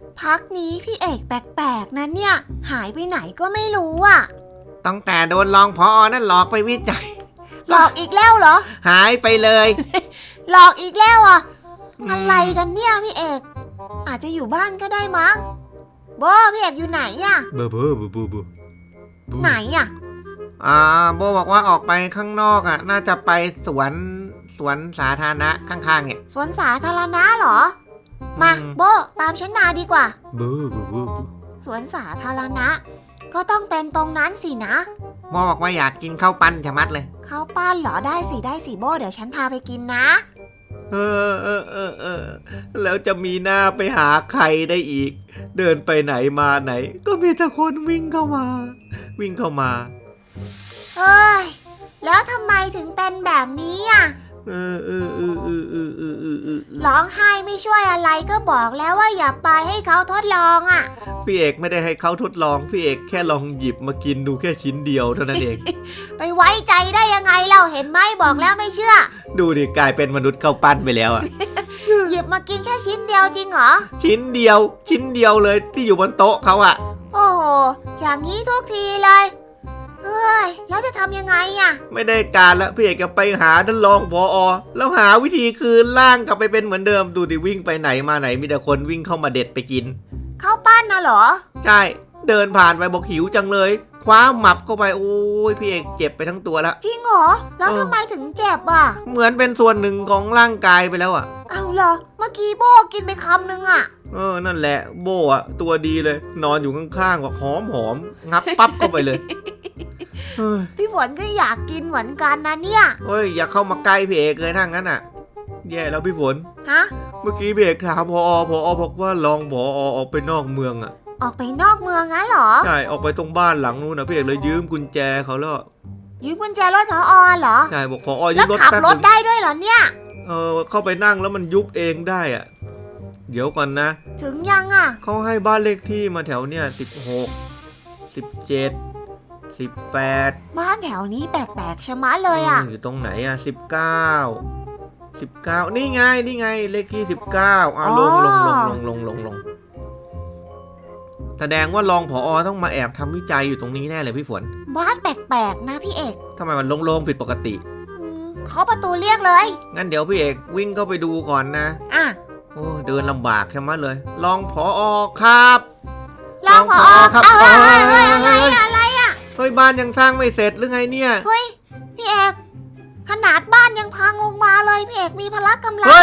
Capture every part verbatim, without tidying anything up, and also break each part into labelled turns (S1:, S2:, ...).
S1: พักนี้พี่เอกแปลกๆนะเนี่ยหายไปไหนก็ไม่รู้อ่ะ
S2: ตั้งแต่โดนรองผอนั่นหลอกไปวิจัย
S1: หลอกอีกแล้วเหรอ
S2: หายไปเลย
S1: หลอกอีกแล้วอ่ะอะไรกันเนี่ยพี่เอกอาจจะอยู่บ้านก็ได้มั้งโบพี่เอกอยู่ไหนอ่ะ
S2: เบอร์เบอร์เบอร์เบอร์เบอร์
S1: ไหนอ่ะ
S2: อ่าโบบอกว่าออกไปข้างนอกอ่ะน่าจะไปสวนสวนสาธารณะข้างๆเนี่ย
S1: สวนสาธารณะเหรอมาโบตามฉันมาดีกว่า
S2: เบอร์เบอร์เบอร์
S1: สวนสาธารณะก็ต้องเป็นตรงนั้นสินะ
S2: โบบอกว่าอยากกินข้าวปั้นชะมัดเลย
S1: ข้าวปั้นเหรอได้สิได้สิโบเดี๋ยวฉันพาไปกินนะ
S2: เออเออเออเออแล้วจะมีหน้าไปหาใครได้อีกเดินไปไหนมาไหนก็มีแต่คนวิ่งเข้ามาวิ่งเข้ามา
S1: เฮ้ยแล้วทำไมถึงเป็นแบบนี้อ่ะ
S2: เออเออเออเออเออเออเออเออ
S1: ร้องไห้ไม่ช่วยอะไรก็บอกแล้วว่าอย่าไปให้เขาทดลองอ่ะ
S2: พี่เอกไม่ได้ให้เขาทดลองพี่เอกแค่ลองหยิบมากินดูแค่ชิ้นเดียวเท่านั้นเอง
S1: ไปไว้ใจได้ยังไงเราเห็นไหมบอกแล้วไม่เชื่อ
S2: ดูดิกลายเป็นมนุษย์ข้าวปั้นไปแล้วอ่ะ
S1: หยิบมากินแค่ชิ้นเดียวจริงเหรอ
S2: ชิ้นเดียวชิ้นเดียวเลยที่อยู่บนโต๊ะเขาอ่ะ
S1: โอ้โหอย่างนี้ทุกทีเลยเฮ้ยแล้วจะทำยังไงอ่ะ
S2: ไม่ได้การแล้วพี่เอกจะไปหาท่านรองผอ.แล้วหาวิธีคืนร่างกลับไปเป็นเหมือนเดิมดูดิวิ่งไปไหนมาไหนมีแต่คนวิ่งเข้ามาเด็ดไปกิน
S1: ข้าวปั้นนะเหรอ
S2: ใช่เดินผ่านไปบอกหิวจังเลยคว้าหมับเข้าไปโอ้ยพี่เอกเจ็บไปทั้งตัวแล้ว
S1: จริงเหรอแล้วทำไมถึงเจ็บอ่ะ
S2: เหมือนเป็นส่วนหนึ่งของร่างกายไปแล้วอ่ะ
S1: เอาเหรอเมื่อกี้โบกินไปคำนึงอ่ะ
S2: เออนั่นแหละโบอ่ะตัวดีเลยนอนอยู่ข้างๆก็หอมหอมงับปั๊บเข้าไปเลย
S1: พี่ฝนก็อยากกินเหมือนกันนะเนี่ย
S2: เฮ้ยอย่าเข้ามาใกล้พี่เอกเลยถ้างั้นอ่ะแย่แล้วพี่ฝน
S1: ฮะ
S2: เมื่อกี้พี่เอกถามพอพอบอกว่าลองพอออกไปนอกเมืองอ่ะ
S1: ออกไปนอกเมืองงั้นเหรอ
S2: ใช่ออกไปตรงบ้านหลังนู้นนะพี่เอกเลยยืมกุญแจเขาแล้ว
S1: ยืมกุญแจรถพอเหรอ
S2: ใช่บอกพอยืมรถ
S1: แล้วขับรถได้ด้วยเหรอเนี่ย
S2: เออเข้าไปนั่งแล้วมันยุบเองได้อ่ะเดี๋ยวก่อนนะ
S1: ถึงยังอ่ะ
S2: เขาให้บ้านเลขที่มาแถวเนี่ยสิบหกสิบเจ็ดสิบแปด
S1: บ้านแถวนี้แปลกๆชะมัดเลยอ่ะ
S2: อยู่ตรงไหนอ่ะสิบเก้าสิบเก้านี่ไงนี่ไงเลขที่สิบเก้าอ่ะลงลงลงลงลงลงลงแสดงว่ารองผอ.ต้องมาแอบทำวิจัยอยู่ตรงนี้แน่เลยพี่ฝน
S1: บ้านแปลกๆนะพี่เอก
S2: ทำไมมันโล่งๆผิดปกติ
S1: เคาะประตูเรียกเลย
S2: งั้นเดี๋ยวพี่เอกวิ่งเข้าไปดูก่อนนะ
S1: อ่ะ
S2: โอ้เดินลำบากใช่ไหมเลยรองผอ.ครับ
S1: รองผอ.ครับเฮ้ยเฮ้ยอะไรอะไรอ่ะ
S2: เฮ้ยบ้านยังสร้างไม่เสร็จหรือไงเนี่ย
S1: เฮ้ยพี่เอกขนาดบ้านยังพังลงมาเลยพี่เอกมีพละกำลัง
S2: เฮ้ย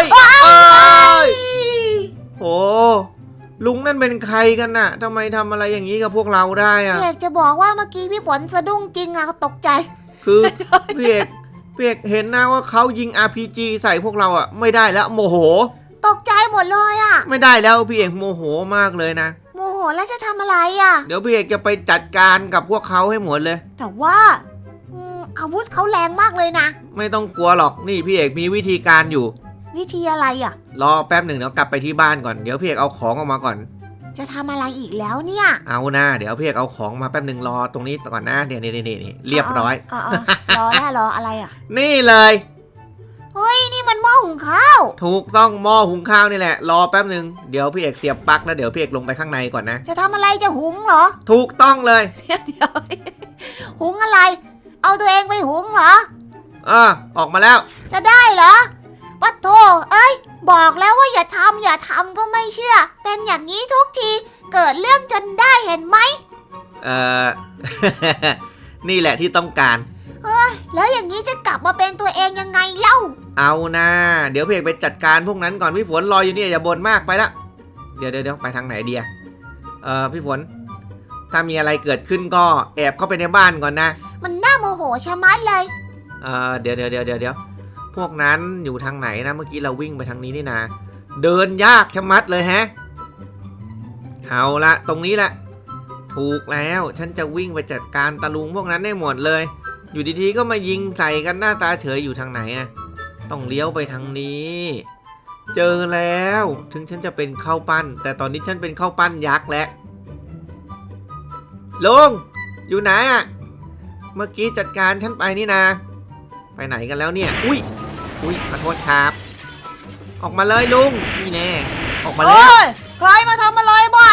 S2: โอ้ลุงนั่นเป็นใครกันน่ะทำไมทำอะไรอย่างนี้กับพวกเราได้อะ
S1: พี่เอกจะบอกว่าเมื่อกี้พี่ฝนสะดุ้งจริงอะตกใจ
S2: คือพี่เอกพี่เอกเห็นนะว่าเขายิง อาร์ พี จี ใส่พวกเราอะไม่ได้แล้วโมโห
S1: ตกใจหมดเลยอะ
S2: ไม่ได้แล้วพี่เอกโมโหมากเลยนะ
S1: โมโหแล้วจะทำอะไรอะ
S2: เดี๋ยวพี่เอกจะไปจัดการกับพวกเขาให้หมดเลย
S1: แต่ว่าอาวุธเขาแรงมากเลยนะ
S2: ไม่ต้องกลัวหรอกนี่พี่เอกมีวิธีการอยู่
S1: วิธีอะไรอ่ะ
S2: รอแป๊บหนึ่งเดี๋ยวกลับไปที่บ้านก่อนเดี๋ยวพี่เอกเอาของออกมาก่อน
S1: จะทำอะไรอีกแล้วเนี่ย
S2: เอาหน้าเดี๋ยวพี่เอกเอาของมาแป๊บหนึ่งรอตรงนี้ก่อนนะเดี๋ยวนี่นี่นี่เรียบร้อย
S1: รอแล้วรออะไรอ่ะ
S2: นี่เลย
S1: เฮ้ยนี่มันหม้อหุงข้าว
S2: ถูกต้องหม้อหุงข้าวนี่แหละรอแป๊บหนึ่งเดี๋ยวพี่เอกเสียบปลั๊กแล้วเดี๋ยวพี่เอกลงไปข้างในก่อนนะ
S1: จะทำอะไรจะหุงเหรอ
S2: ถูกต้องเลย
S1: เดี๋ยวหุงอะไรเอาตัวเองไปหุงเหรอ
S2: อ่าออกมาแล้ว
S1: จะได้เหรอปัดโถเอ้ยบอกแล้วว่าอย่าทำอย่าทำก็ไม่เชื่อเป็นอย่างนี้ทุกทีเกิดเรื่องจนได้เห็นไหม
S2: เออ นี่แหละที่ต้องการ
S1: เฮ้ยแล้วอย่างนี้จะกลับมาเป็นตัวเองยังไงเล่า
S2: เอานะเดี๋ยวพี่เอกไปจัดการพวกนั้นก่อนพี่ฝนรออยู่นี่อย่าบ่นมากไปละเดี๋ยวเดี๋ยวไปทางไหนเดียเออพี่ฝนถ้ามีอะไรเกิดขึ้นก็แอบเข้าไปในบ้านก่อนนะ
S1: มันน่าโมโหชะมัดเลย
S2: เออเดี๋ยวเดี๋ยวเดี๋ยวเดี๋ยวพวกนั้นอยู่ทางไหนนะเมื่อกี้เราวิ่งไปทางนี้นี่นะเดินยากชะมัดเลยแฮะเอาละตรงนี้แหละถูกแล้วฉันจะวิ่งไปจัดการตะลุงพวกนั้นได้หมดเลยอยู่ดีๆก็มายิงใส่กันหน้าตาเฉยอยู่ทางไหนอะต้องเลี้ยวไปทางนี้เจอแล้วถึงฉันจะเป็นข้าวปั้นแต่ตอนนี้ฉันเป็นข้าวปั้นยักษ์แล้วลุงอยู่ไหนอะเมื่อกี้จัดการฉันไปนี่นะไปไหนกันแล้วเนี่ยอุ้ยอุ้ยขอโทษครับออกมาเลยลุงนี่แน่ออกมาแล้ว
S1: ใครมาทำอะไรบ้า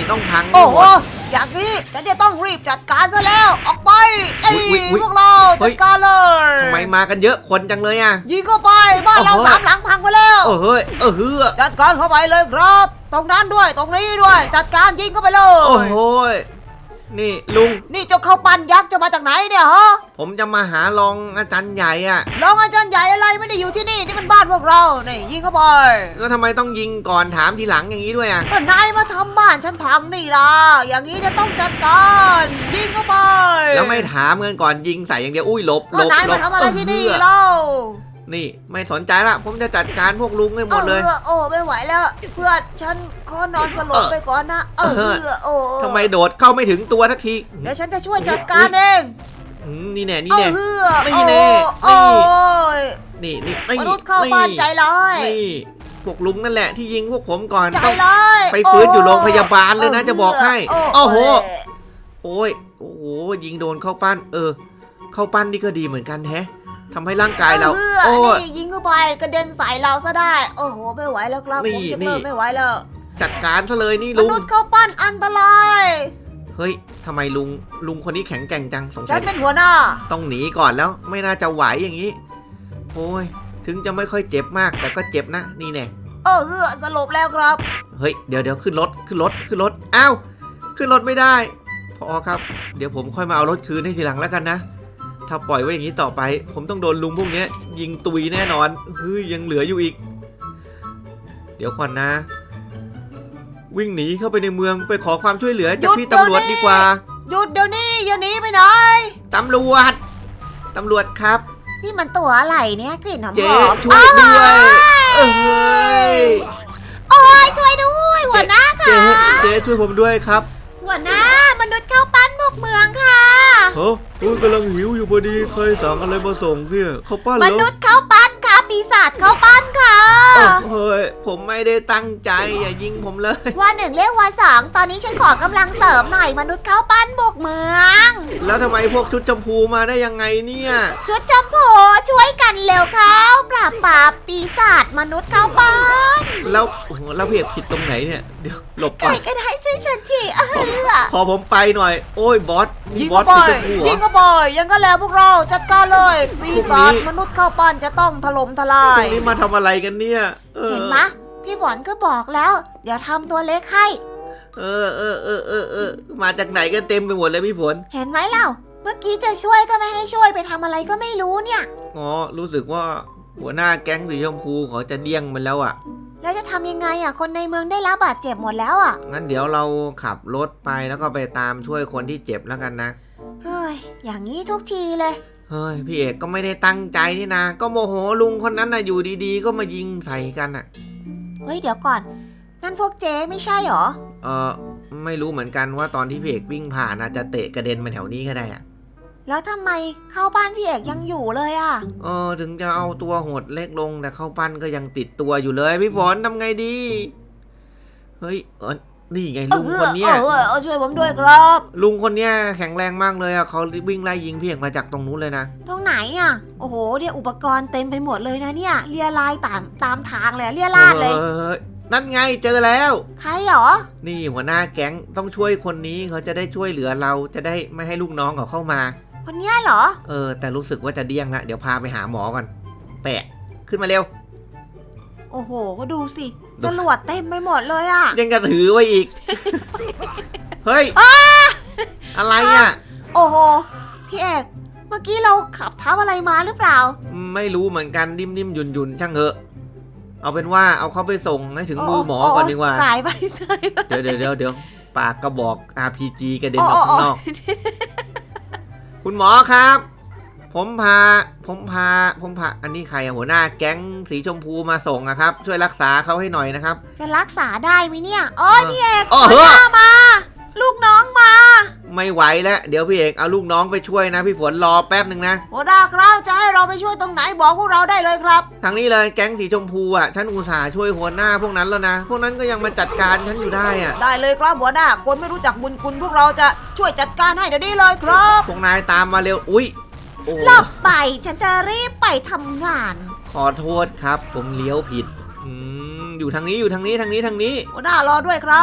S2: ต้องพัง
S1: โอ้
S2: ให้ห
S1: โห
S2: มด
S1: อย่างนี้ฉันจะต้องรีบจัดการซะแล้วออกไปไอ้
S2: อุ๊ยอุ๊ยอุ๊ย
S1: พวกเราจัดการเลย
S2: ทำไมมากันเยอะคนจังเลยอ่ะ
S1: ยิงเข้าไปบ้านเรา
S2: โอ้โห
S1: สามหลังพังไปแล้ว
S2: เออเฮ้ยเออเฮือ
S1: จัดการเข้าไปเลยครับ ตรงนั้นด้วยตรงนี้ด้วย จัดการยิงเข้าไปเล
S2: โอ้
S1: ย
S2: โหยนี่ลุง
S1: นี่เจ้าข้าวปั้นยักษ์จะมาจากไหนเนี่ยฮะ
S2: ผมจะมาหารองอาจารย์ใหญ่อ่ะ
S1: รองอาจารย์ใหญ่อะไรไม่ได้อยู่ที่นี่นี่มันบ้านพวกเรานี่ยิงเข้าไป
S2: แล้วทำไมต้องยิงก่อนถามทีหลังอย่างนี้ด้วยอ่ะ
S1: ก็นายมาทำบ้านฉันพังนี่ล่ะอย่างนี้จะต้องจัดการยิงเข้าไป
S2: แล้วไม่ถามกันก่อนยิงใส่อย่างเดียวอุ้ยหลบหล
S1: ก็
S2: บ
S1: นาย
S2: หล
S1: มา
S2: บ
S1: ทำอะไรที่นี่
S2: เออ
S1: เล่า
S2: นี่ไม่สนใจละผมจะจัดการพวกลุงให้หมดเลย
S1: ออโอ้ไม่ไหวแล้ว เพื่อนฉันขอนอนสลบไปก่อนนะเออ
S2: เออ
S1: เออโอ้
S2: ทำไมโดดเข้าไม่ถึงตัวทักที
S1: เดี๋ยวฉันจะช่วยจัดการเอง
S2: อืมนี่แน่นี่
S1: เอ
S2: แน่
S1: อเออ
S2: นี่แน่
S1: โอ้
S2: นี่
S1: โอ้ย
S2: นี่นี่นี่
S1: มนุษย์เข้าบ้านใจร้าย
S2: นี่พวกลุงนั่นแหละที่ยิงพวกผมก่อน
S1: ใจ
S2: ต้อง
S1: ร้าย
S2: ไปฟื้นอยู่โรงพยาบาลเลยนะจะบอกให้
S1: โอ้
S2: โอ้โห โอ้ยโอ้โหยิงโดนเข้าปั้น เออ เข้าปั้นนี่ก็ดีเหมือนกันแฮะทำให้ร่างกายเรา
S1: เออ
S2: โอ้ย
S1: นี่ยิงเข้าไปกระเด็นใส่เราซะได้ โอ้โหไม่ไหวแล้วครับ
S2: นี่
S1: ผมจะ
S2: นี่
S1: เริ่มไม่ไหวแล้ว
S2: จัดการซะเลยนี่
S1: ม
S2: ลุง
S1: นุษย์เข้าปั้นอันตราย
S2: เฮ้ยทำไมลุงลุงคนนี้แข็งแกร่งจังสง
S1: ฉั
S2: สั
S1: น
S2: ย
S1: เป็นหัวหน้า
S2: ต้องหนีก่อนแล้วไม่น่าจะไหวอย่างนี้ โอ้ยถึงจะไม่ค่อยเจ็บมากแต่ก็เจ็บนะนี่แน่
S1: เออเออสลบแล้วครับ
S2: เฮ้ยเดี๋ยวเดี๋ยวขึ้นรถขึ้นรถขึ้นรถอ้าวขึ้นรถไม่ได้พอครับ เดี๋ยวผมค่อยมาเอารถคืนให้ทีหลังแล้วกันนะ ถ้าปล่อยไว้อย่างนี้ต่อไป ผมต้องโดนลุงพวกนี้ยิงตุยแน่นอนเฮ้ยยังเหลืออยู่อีก เดี๋ยวก่อนนะ วิ่งหนีเข้าไปในเมืองไปขอความช่วยเหลือจากพี่ตำรวจดีกว่า
S1: หยุดเดี๋ยวนี้อย่าหนีไปไหน
S2: ตำรวจตำรวจครับ
S1: นี่มันตัวอะไรเนี่ยกลิ่นหอม
S2: เจ๊
S1: ๆ
S2: ช่วยด้วยเอ้ย
S1: โอ้ยช่วยด้วยหัวหน้า
S2: เจ๊
S1: ค่ะ
S2: เจ๊ช่วยผมด้วยครับ
S1: หัวหน้ามนุษย์เข้าปั้นบุกเมืองค่ะ
S2: เฮ้ยกำลังหิวอยู่พอดีใครสั่งอะไรมาส่งเนี่ยเขาป้าเหร
S1: ม
S2: อ
S1: นุษย์เข้าปั้นค่ะปีศาจเข้าปั้นค่ะ
S2: เฮ้ยผมไม่ได้ตั้งใจอย่ายิงผมเลย
S1: ว่าหนึ่งเรียกว่าสองตอนนี้ฉันขอกำลังเสริมหน่อยมนุษย์เข้าปั้นบุกเมือง
S2: แล้วทำไมพวกชุดชมพูมาได้ยังไงเนี่ย
S1: ชุดชมพูช่วยกันเร็วเขาปราบปรามปีศาจมนุษย์เข้าปั้น
S2: แล้วโอ้โหแล้วเพียบผิดตรงไหนเนี่ยเดี๋ยวหลบ
S1: ใค
S2: ก่
S1: ร
S2: อน
S1: ก็ได้ช่วยฉันทีเออ
S2: ขอผมไปหน่อย โอ้ยบอสมี
S1: ยิง
S2: บอ
S1: ก็
S2: ส
S1: ไป
S2: สีชมพูเหร
S1: ยิ
S2: อง
S1: ก็ไปยังก็แล้วพวกเราจัดการเลย ปีศาจ
S2: พวกนี้
S1: มนุษย์เข้าปั้นจะต้องถล่มทลา
S2: ตร
S1: ย
S2: งนี้มาทำอะไรกันเนี่ยออ
S1: เห็นไหมะพี่ฝนก็บอกแล้ว เดี๋ยวทำตัวเล็กให้
S2: เออเออเออเออเออมาจากไหนกันเต็มไปหมดเลยพี่ฝน
S1: เห็นไหมเล่าเมื่อกี้จะช่วยก็ไม่ให้ช่วยไปทำอะไรก็ไม่รู้เนี่ย
S2: อ๋อรู้สึกว่าหัวหน้าแก๊งสีชมพูเขาจะเดี้ยงมันแล้วอ่ะ
S1: แล้วจะทำยังไงอ่ะคนในเมืองได้รับบาดเจ็บหมดแล้วอ่ะ
S2: งั้นเดี๋ยวเราขับรถไปแล้วก็ไปตามช่วยคนที่เจ็บแล้วกันนะ
S1: เฮ้ยอย่างนี้ทุกทีเลย
S2: เฮ้ยพี่เอกก็ไม่ได้ตั้งใจนี่นะ ก็โมโหลุงคนนั้นนะอยู่ดีๆ ก็มายิงใส่กันอ่ะ
S1: เฮ้ยเดี๋ยวก่อน นั่นพวกเจ๊ไม่ใช่หรอ
S2: เออไม่รู้เหมือนกันว่าตอนที่พี่เอกวิ่งผ่านอาจจะเตะกระเด็นมาแถวนี้ก็ได้อ่ะ
S1: แล้วทำไมเข้าบ้านพี่เอกยังอยู่เลยอ่ะ
S2: เออถึงจะเอาตัวหดเล็กลงแต่เข้าปั้นก็ยังติดตัวอยู่เลยพี่ฝนทำไงดี เฮ้ยเออนี่ไงลุงคนเนี้ย
S1: เออเออช่วยผมด้วยครับ
S2: ลุงคนเนี้ยแข็งแรงมากเลยอ่ะเขาวิ่งไล่ยิงพี่เอกมาจากตรงนู้นเลยนะ
S1: ตรงไหนอ่ะโอ้โหเนี่ยอุปกรณ์เต็มไปหมดเลยนะเนี่ยเลียลายตามตามทางเลยเลียลาดเลย
S2: ออนั่นไงเจอแล้ว
S1: ใครหรอ
S2: นี่หัวหน้าแก๊งต้องช่วยคนนี้เขาจะได้ช่วยเหลือเราจะได้ไม่ให้ลูกน้องเขาเข้ามา
S1: คนเนี้ยเหรอ
S2: เออแต่รู้สึกว่าจะเดี้ยงละเดี๋ยวพาไปหาหมอก่อนแปะขึ้นมาเร็ว
S1: โอ้โหก็ดูสิจรวดเต็มไปหมดเลยอ่ะ
S2: ยังกระถือไว้อีก เฮ้ยอะไรอ่ะ
S1: โอ้โหพี่เอกเมื่อกี้เราขับทับอะไรมาหรือเปล่า
S2: ไม่รู้เหมือนกันนิ่มๆหยุ่นๆช่างเถอะเอาเป็นว่าเอาเขาไปส่งให้ถึงมือหมอก่อนดีกว่า
S1: สายไปสายไป
S2: เดี๋ยวเดี๋ยวเดี๋ยวเดี๋ยวปากกระบอก อาร์ พี จี กระเด็นออกข้างนอก คุณหมอครับ ผมพา ผมพา ผมพา อันนี้ใครอะหัวหน้าแก๊งสีชมพูมาส่งอะครับ ช่วยรักษาเขาให้หน่อยนะครับ
S1: จะรักษาได้ไหมเนี่ยโอ้ยพี่เอก
S2: อ๋อ
S1: หัวหน้ามา ลูกน้องมา
S2: ไม่ไหวแล้วเดี๋ยวพี่เอกเอาลูกน้องไปช่วยนะพี่ฝนรอแป๊บหนึ่งนะ
S1: หัวหน้าครับจะให้เราไปช่วยตรงไหนบอกพวกเราได้เลยครับ
S2: ทางนี้เลยแก๊งสีชมพูอะฉันอุตส่าห์ช่วยหัวหน้าพวกนั้นแล้วนะ พวกนั้นก็ยังมาจัดการฉันอยู่ได้อะ
S1: ได้เลยครับหัวหน้าคนไม่รู้จักบุญคุณพวกเราจะช่วยจัดการให้เดี๋ยวนี้เลยครับ
S2: พวกนายตามมาเร็ว อุ้ยโอ้
S1: หลบไปฉันจะรีบไปทำงาน
S2: ขอโทษครับ ผมเลี้ยวผิด อืมอยู่ทางนี้อยู่ทางนี้ทางนี้ทางนี้
S1: หัวหน้ารอด้วยครับ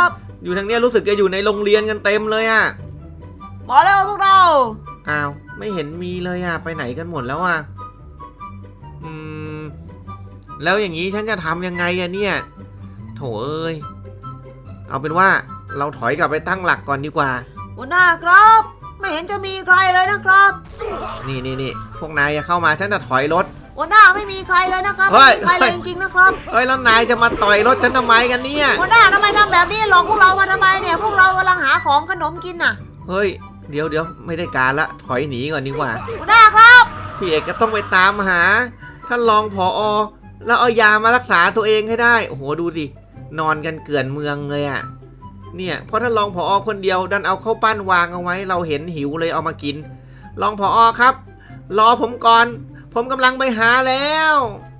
S2: อยู่ทางเนี้ยรู้สึกจะอยู่ในโรงเรียนกันเต็มเลยอะ
S1: มาแล้วพวกเรา
S2: อ้าวไม่เห็นมีเลยอะไปไหนกันหมดแล้วอะอืมแล้วอย่างนี้ฉันจะทำยังไงอะเนี่ยโถเอ้ยเอาเป็นว่าเราถอยกลับไปตั้งหลักก่อนดีกว่า
S1: หัวหน้าครับไม่เห็นจะมีใครเลยนะครับ
S2: นี่นี่นี่พวกนายอย่าเข้ามาฉันจะถอยรถ
S1: หัวหน้าไม่มีใครเลยนะครับ
S2: เฮ้
S1: ไม่
S2: ย
S1: มีใครเลยจริงๆนะครับ
S2: เฮ้ยแล้วนายจะมาต่อยรถฉันทำไมกันเนี่ย
S1: หัวหน้าทำไมทำแบบนี้หลอกพวกเรามาทำไมเนี่ยพวกเรากำลังหาของขนมกินน่ะ
S2: เฮ้ยเดี๋ยวเดี๋ยวไม่ได้การละถอยหนีก่อนดีกว่า
S1: หัวหน้าครับ
S2: พี่เอกก็ต้องไปตามหาท่านรองผอแล้วเอายามารักษาตัวเองให้ได้โอ้โหดูสินอนกันเกลื่อนเมืองเลยอะเนี่ยเพราะท่านรองผอคนเดียวดันเอาข้าวปั้นวางเอาไว้เราเห็นหิวเลยเอามากินรองผอครับรอผมก่อนผมกำลังไปหาแล้ว